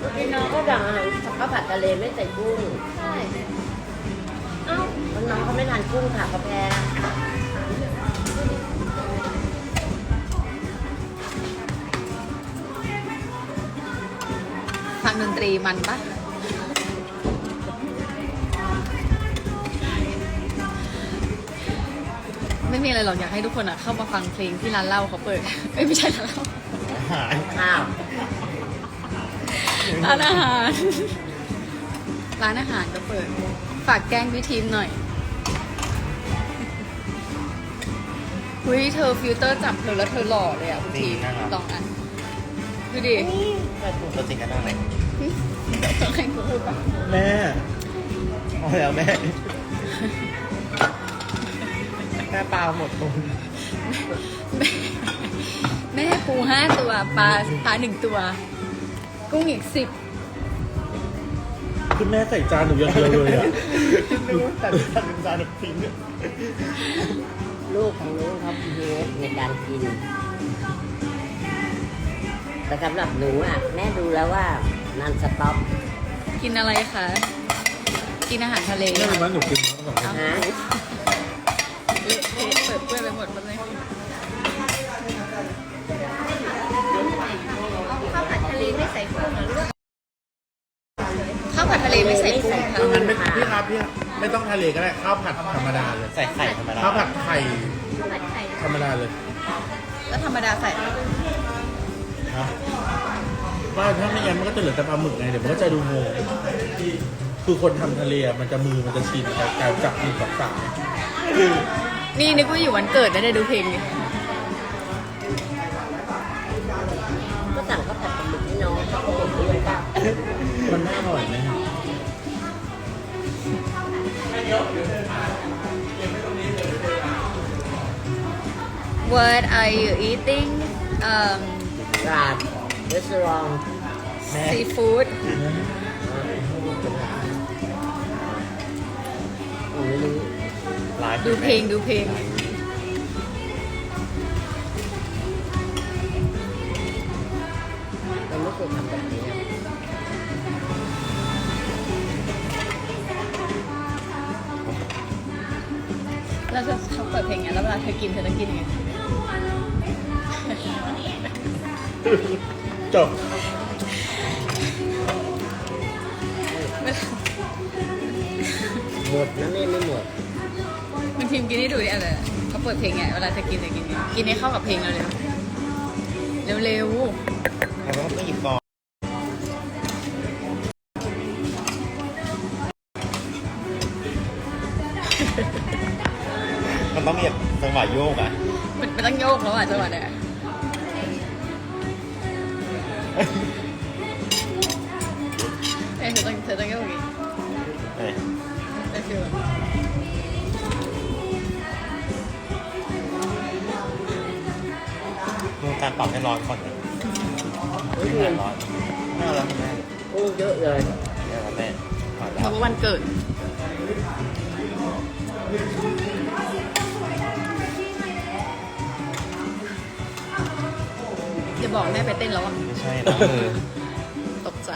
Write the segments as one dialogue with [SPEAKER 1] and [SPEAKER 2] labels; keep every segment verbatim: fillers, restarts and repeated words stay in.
[SPEAKER 1] พี่น้องก็สั่งอาหารข้าวผัดทะเลไม่ใส่กุ้ง
[SPEAKER 2] ใช่
[SPEAKER 1] เอ้าน้องเขาไม่ทานกุ้งค่ะกาแฟ
[SPEAKER 2] ฟังดนตรีมันปะไม่มีอะไรหรอกอยากให้ทุกคนอ่ะเข้ามาฟังเพลงที่ร้านเหล้าเขาเปิดเอ้ยไม่ใช่ร้านเหล้า
[SPEAKER 3] อาหาร
[SPEAKER 1] ข้าว
[SPEAKER 2] ร้านอาหาร ร้านอาหารก็เปิด ฝากแกล้งพี่ทีมหน่อยเฮ้ยเธอฟิลเตอร์จับเธอแล้วเธอหล่อเลยอ่ะพี่ทีมลองอ่ะดูดิ
[SPEAKER 3] ตัวจริงกันได้ไหม
[SPEAKER 2] ต้องให้กูพูดปะ
[SPEAKER 3] แม่เอาแล้วแม่แม่ปลาหมดตุน
[SPEAKER 2] แม่แม่ปูห้าตัวปลาปลาหนึ่งตัว กุ้งอีกสิบ
[SPEAKER 4] คือแม่ใส่จานหนูอย่างเดียวเลยอ่ะ
[SPEAKER 3] นึกว่าแต่จานจานทิ้ง
[SPEAKER 1] ลูกของลูกเขาเฮดในการกิน แต่สำหรับหนูอ่ะแม่ดูแล้วว่านันสต็อป
[SPEAKER 2] กินอะไรคะ กินอาหารทะเล
[SPEAKER 4] แม่
[SPEAKER 2] ค่ะ
[SPEAKER 4] รู้ไหมหนูกินมาตั้งแต่
[SPEAKER 1] ฮะ
[SPEAKER 2] เละเทะเปิดเปื้อนไปหมดหมดเลยข้าวผัดทะเลไม่ใส่กุ้งนะลูกข้าวผัดทะเลไม่ใส่กุ้งค่ะ
[SPEAKER 4] งั้นไม่พี่ครับพี่ครับไม่ต้องทะเลก็ได้ข้าวผัดธรรมดาเลย
[SPEAKER 3] ใส่ไข่ธรรมดา
[SPEAKER 4] ข้าวผัดไข่
[SPEAKER 2] ข้าวผัดไข่
[SPEAKER 4] ธรรมดาเลย
[SPEAKER 2] แล้วธรรมดาใส่
[SPEAKER 4] ฮะว่าถ้าไม่งั้นมันก็จะเหลือแต่ปลาหมึกไงเดี๋ยวมันก็จะดูงงคือคนทำทะเลอะมันจะมือมันจะชินกับการจับมือกับสายคือ
[SPEAKER 2] นี่นึกว่าอยู่วันเกิดไม่ได้ดูเพลงเลย
[SPEAKER 1] ก็สั่งข้าวผัดปลาหมึกให้น้องเขาก็บอกด้วยว่า
[SPEAKER 4] มันไม่อร่อยไหม
[SPEAKER 2] What are you eating um
[SPEAKER 1] ร้านรีสอร์ท
[SPEAKER 3] แม่
[SPEAKER 2] seafood
[SPEAKER 1] ไม่รู้
[SPEAKER 3] ไลฟ์
[SPEAKER 2] ดูเพลงดูเพลง
[SPEAKER 1] เราไม่เคยทำแบบนี้นะ
[SPEAKER 2] แล้วเธอชอบเปิดเพลงไงแล้วเวลาเธอกินเธอจะกินยังไง
[SPEAKER 4] จบ
[SPEAKER 1] หมดนะแม่ไม่หมด
[SPEAKER 2] มันทีมกินให้ดูดิอะไรเขาเปิดเพลงไงเวลาเธอกินเธอกินไงกินให้เข้ากับเพลงเร็วเร็วเร็ว
[SPEAKER 3] แล้วก็ต้องหยิบก่อนมันต้องมีแบบจังหวะโยกอ่ะ
[SPEAKER 2] ๆมันมันต้องโยกแล้วอ่ะจังหวะเนี้ยเอ้ยเธอต้องเธอต้องโยกอย่างงี้
[SPEAKER 3] เอ้ย
[SPEAKER 2] เป็นฟิลแบบ
[SPEAKER 3] ดูการปรับให้ร้อนก่อนนะไม่ให้ร้อนไม่เอาแล้วคุณแม่
[SPEAKER 1] กุ้งเยอะเลย
[SPEAKER 3] ไม่เอาแล้วแม่ขอ
[SPEAKER 2] เพ
[SPEAKER 3] แล้ว
[SPEAKER 2] ราะว่าวันเกิดจะบอกแม่ไปเต้นแล้วอ่ะ
[SPEAKER 3] ไม่ใช่ล้างมือ
[SPEAKER 2] ตกใจ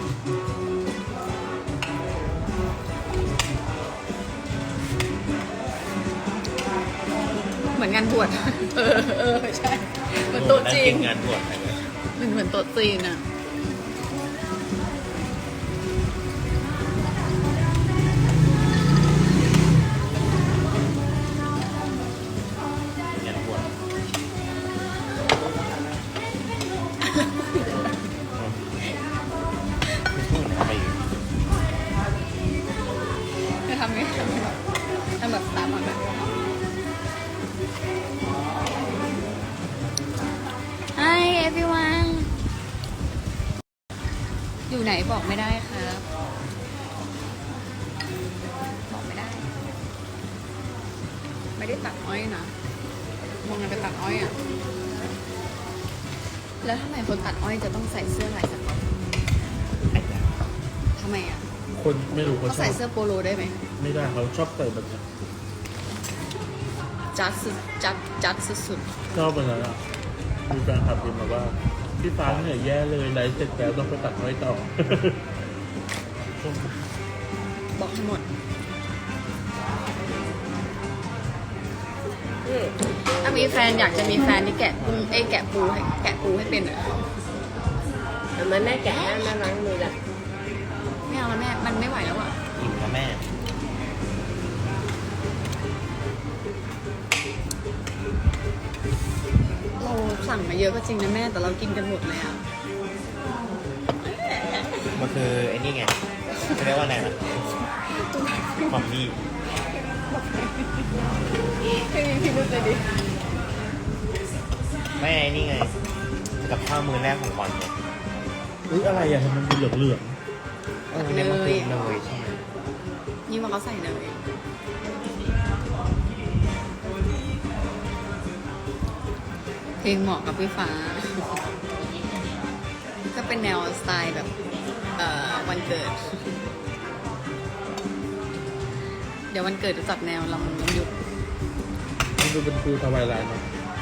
[SPEAKER 2] เหมือนงานบวช เออเออใช่เหมือนโต๊ะจีน
[SPEAKER 3] งานบวชใครเลย
[SPEAKER 2] เหมือนเหมือนโต๊ะจีนอ่ะ
[SPEAKER 3] งานบวชไม่พูดนะไปอยู่
[SPEAKER 2] จะทำไงทำไงทำแบบตามมาแบบ Hi everyone อยู่ไหนบอกไม่ได้ครับ บอกไม่ได้ ไม่ได้ตัดอ้อยนะมองกันไปตัดอ้อยอ่ะ แล้วทำไมคนตัดอ้อยจะต้องใส่เสื้อลายสก๊อตทำไมอ่ะ
[SPEAKER 4] คนไม่รู้เขา
[SPEAKER 2] เขา
[SPEAKER 4] ชอ
[SPEAKER 2] ใส่
[SPEAKER 4] บ
[SPEAKER 2] เสื้อโปโลได้ไหม
[SPEAKER 4] ไม่ได้เขาชอบใส่แบบนี้
[SPEAKER 2] จัดสุดจัดจัดสุด
[SPEAKER 4] ชอบแบบนั้นอ่ะมีแฟนคลับพิมพ์มาว่า
[SPEAKER 2] ๆ
[SPEAKER 4] พี่ฟ้าเหนื่อยแย่เลยไลฟ์เสร็จแล้วต้องไปตัดไว้ต่อ
[SPEAKER 2] บอกให้หมด
[SPEAKER 1] อืม
[SPEAKER 2] ถ้ามีแฟนอยากจะมีแฟนที่แกะกุ้งเอ้ยแกะปูให้แกะปูให้เป็นอ่ะ
[SPEAKER 1] ทำไมแม่แกะให้แม่ล้างมือล่ะ
[SPEAKER 2] ไม่เอาแล้วแม่ มันไม่ไหวแล้วอ่ะ
[SPEAKER 3] อิ่มแล้วแม่
[SPEAKER 2] เราสั่งมาเยอะก็จริงนะแม่ แต่เรากินกันหมดเลยอ่ะ
[SPEAKER 3] มันคือไอ้นี่ไงเขาเรียกว่าอะไรนะความดี
[SPEAKER 2] ไม่มีพิรุธเลยดิ
[SPEAKER 3] ไม่ไอ้นี่ไงกับข้าวมือแรกของวันเนี่ย
[SPEAKER 4] อุ้ยอะไรอ่ะทำไมมันเป็นเหลือง
[SPEAKER 3] เออเนี่ยมันคือเนยใช่ไหม
[SPEAKER 2] นี่ว่าเขาใส่เนยเพลงเหมาะกับพี่ฟ้า ก็เป็นแนวสไตล์แบบเอ่อวันเกิด เดี๋ยววันเกิดจะจัดแนวลำลำยุก
[SPEAKER 4] ๆมันดูเป็นฟูทวายไลน์เนาะ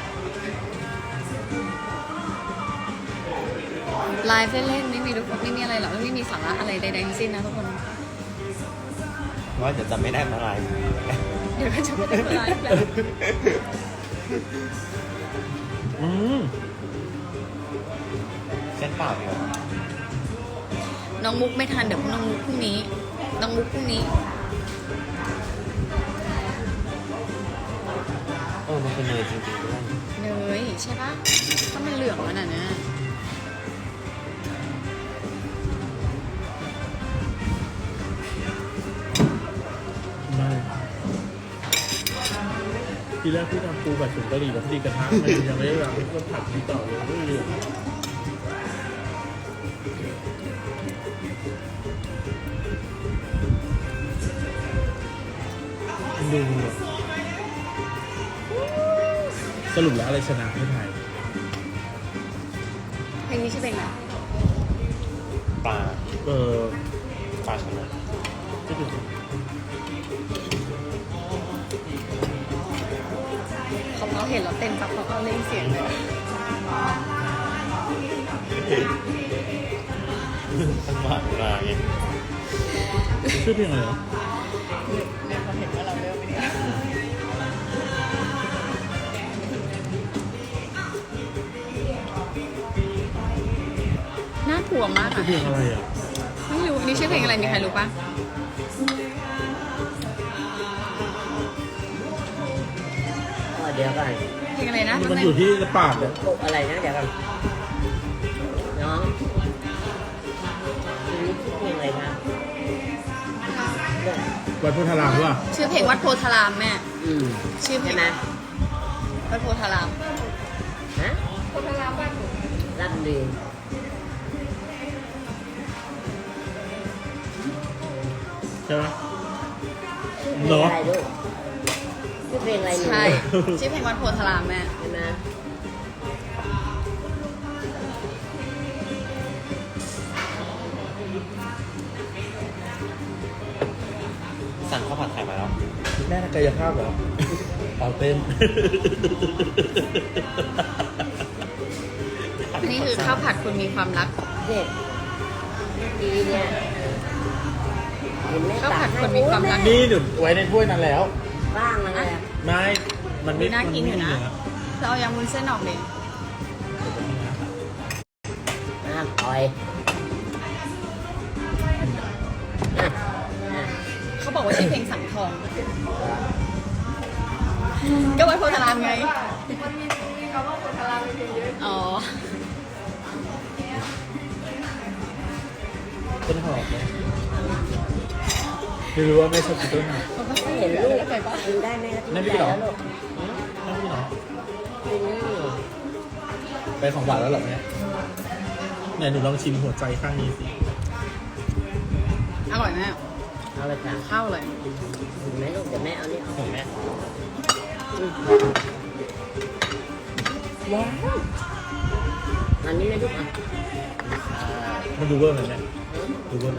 [SPEAKER 2] ไลฟ์เล่นๆไม่มีทุกคนไม่มีอะไรหรอกไม่มีสาระอะไรใดๆทั้งสิ้นนะทุกคน
[SPEAKER 3] ว่าเดี๋ยวจะไม่ได้มาไลฟ์
[SPEAKER 2] เดี๋ยวก็จะไม่ได้มาไลฟ์แล้ว
[SPEAKER 4] อืม
[SPEAKER 3] เส้นเปล่าเดียว
[SPEAKER 2] น้องมุกไม่ทันเดี๋ยวน้องมุกพรุ่งนี้ น้องมุกพรุ่งนี้
[SPEAKER 3] เออมันคือเนยจริงๆด้วย
[SPEAKER 2] เนยใช่ปะถ้ามันเหลืองขนาดนั้น
[SPEAKER 4] ไม่ทีแรกพี่ทำปูแบบถุงกะหรี่แบบตีกระทะมันยังไม่ได้วางก็ผัดที่ต่อเลยไม่เหลืองดูอะสรุปแล้วอะไรชนะไม่ไทย
[SPEAKER 2] เพลงนี้ชื่อเพลงอะไร
[SPEAKER 3] ปลา
[SPEAKER 4] เออ
[SPEAKER 3] ปลาชนะ
[SPEAKER 4] ก็คือ
[SPEAKER 2] เขาเขาเห็นเราเต้นปั๊บเขาก็เล่นเสียงเลย
[SPEAKER 3] ตั้งหวานมาไง
[SPEAKER 4] ชื่อเพลงอะไรเหรอ
[SPEAKER 2] เนี่ยเขาเห็นว่าเราเริ่มไปเนี่ยน่ากลัวมาก
[SPEAKER 4] ชื่อ
[SPEAKER 2] อะ
[SPEAKER 4] เพลงอะไรอ่ะ
[SPEAKER 2] ไม่รู้อันนี้ชื่อเพลงอะไรมีใครรู้ปะ
[SPEAKER 1] อ๋อเดี๋ยวก่อน
[SPEAKER 2] เพลงอะไรนะ
[SPEAKER 4] มันอยู่ที่ปากเนี่ย
[SPEAKER 1] พวกอะไรนะเดี๋ยวก่อนน้องทีนี้ชื่อเพลงอะไรนะเนี่ย
[SPEAKER 4] วัดพุทธารามหรือเปล่า
[SPEAKER 2] ชื่อเพลงวัดโพธารามแม่
[SPEAKER 1] อืม
[SPEAKER 2] ชื่อเพล
[SPEAKER 1] ใช่
[SPEAKER 2] ง
[SPEAKER 1] ไหม
[SPEAKER 2] วัดโพธาราม
[SPEAKER 1] ฮะ
[SPEAKER 2] โพธารามบ้านหนู
[SPEAKER 1] รับดี
[SPEAKER 4] ใช่ไหม
[SPEAKER 1] ชื่อเพลงอะไรลูกชื่อเพลงอะไรหนู
[SPEAKER 2] ใช่ ชื่อเพลงวัดโพธารามแม่
[SPEAKER 1] ใช่ไหม
[SPEAKER 3] สั่งข้าวผัดไทยมาแล้ว
[SPEAKER 4] แม่กายภาพเหรอเอาเต้น
[SPEAKER 2] นี่คือข้าวผัดคุณมีความรัก
[SPEAKER 1] เด็กเมื่อกี้เนี่ยเห็นแม่
[SPEAKER 2] ข้าวผัด
[SPEAKER 1] ตัก
[SPEAKER 2] คนมีความรัก
[SPEAKER 4] นี่หนุนไว้ในถ้วยนั้นแล้ว
[SPEAKER 1] บ้างแล้วไง
[SPEAKER 4] ไม่ มันไม่
[SPEAKER 2] น่ากินอยู่นะ
[SPEAKER 4] มัไม่มี
[SPEAKER 2] เราเอายำวุ้นเส้นออกเลย
[SPEAKER 1] น้ำอ่อยอ่ะอ่ะ
[SPEAKER 2] เขาบอกว่าชื่อเพลงสังทอง ก็วัดโพธารามไงอ๋อ
[SPEAKER 4] ต้นหอมไหมไม่รู้ว่าแม่ชอบกินต้นหอม
[SPEAKER 1] ไม่เห็นลูกกินได้แม่ก็
[SPEAKER 4] นั่น
[SPEAKER 1] กิ
[SPEAKER 4] พี่
[SPEAKER 1] น
[SPEAKER 4] เหร
[SPEAKER 1] ได้
[SPEAKER 4] อ
[SPEAKER 1] แล้วลูก
[SPEAKER 4] นั่นพี่เหรอ
[SPEAKER 1] กินนี่
[SPEAKER 4] ไปของหวานแล้วเหรอแม่ไหนหนูลองชิมหัวใจข้างนี้สิ
[SPEAKER 2] อร่อยแม่
[SPEAKER 1] เอาเลยค่ะ
[SPEAKER 2] ข้าวเลย
[SPEAKER 1] เห็นไหมลูกเดี๋ยวแม่เอานี่เอา
[SPEAKER 3] ผมแม่
[SPEAKER 1] ว้าวอันนี้นะลูกอ่ะ
[SPEAKER 4] มันดูเวอร์ไหมแม่ดูเวอร์นะ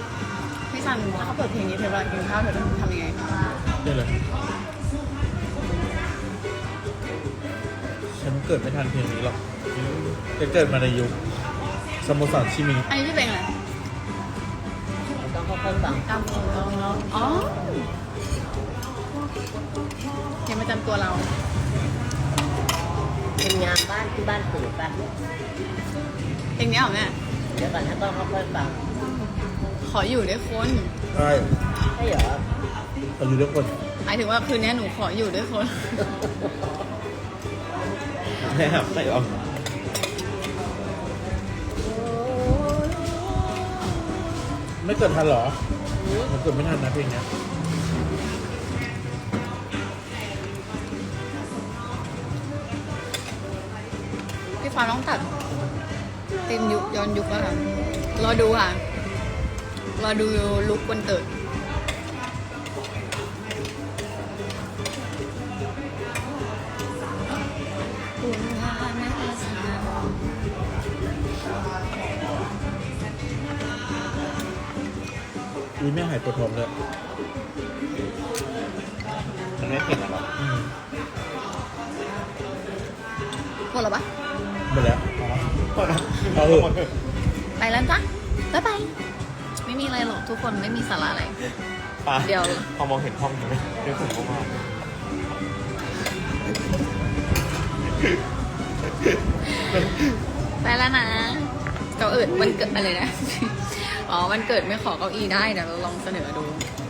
[SPEAKER 2] พี่ซันถ้าเขาเปิดเพลงนี้เธอเวลากินข้าวเธอจะทำยังไง
[SPEAKER 4] นี่เลย
[SPEAKER 1] อ
[SPEAKER 4] ฉันเกิดไม่ทันเพลงนี้หรอกจะเกิดมาในยุคสโมสรชิมิง
[SPEAKER 2] อันนี้ชื่อเพลงอะไร
[SPEAKER 1] ต้องค่อยๆฟัง
[SPEAKER 2] ตามของเราอ๋อเพลงประจำตัวเรา
[SPEAKER 1] เป็นงานบ้านที่บ้านตื่นป่ะ
[SPEAKER 2] เพลงนี้เหรอแม่
[SPEAKER 1] เดี๋ยวก่อนนะต้องค่อยๆฟัง
[SPEAKER 2] ขออยู่ด้วยคน
[SPEAKER 4] ใช่
[SPEAKER 1] ใช่เหรอ
[SPEAKER 4] เราอยู่ด้วยคน
[SPEAKER 2] หมายถึงว่าคืนนี้หนูขออยู่ด้วยคน
[SPEAKER 3] แม่ครับใส่เอา
[SPEAKER 4] ไม่เกิดทันเหรอมันเกิดไม่ทันนะเพลงเนี้ย
[SPEAKER 2] พี่ฟ้าต้องตัดเต็มยุคย้อนยุคแล้วค่ะ รอดูค่ะ รอดูลุควันเกิด
[SPEAKER 4] อุ้ยแม่หายปวดท้องเลย
[SPEAKER 3] มันไม่เผ็ดหรอ
[SPEAKER 4] อืม
[SPEAKER 2] หมดแล้วปะ
[SPEAKER 4] หมดแล้ว
[SPEAKER 3] เอา
[SPEAKER 4] เอาเถอะ
[SPEAKER 2] ไปแล้วจ้ะบ๊ายบาย ไม่มีอะไรหรอกทุกคนไม่มีสาระอะไร
[SPEAKER 3] ปลา
[SPEAKER 2] เดี๋ยว
[SPEAKER 3] พอมองเห็นห้องไหมเดี๋ยวผมก็มา
[SPEAKER 2] ไปแล้วนะ เก้าเอิดวันเกิดอะไรนะ อ๋อวันเกิดไม่ขอเก้าอี้ได้เดี๋ยวเราลองเสนอดู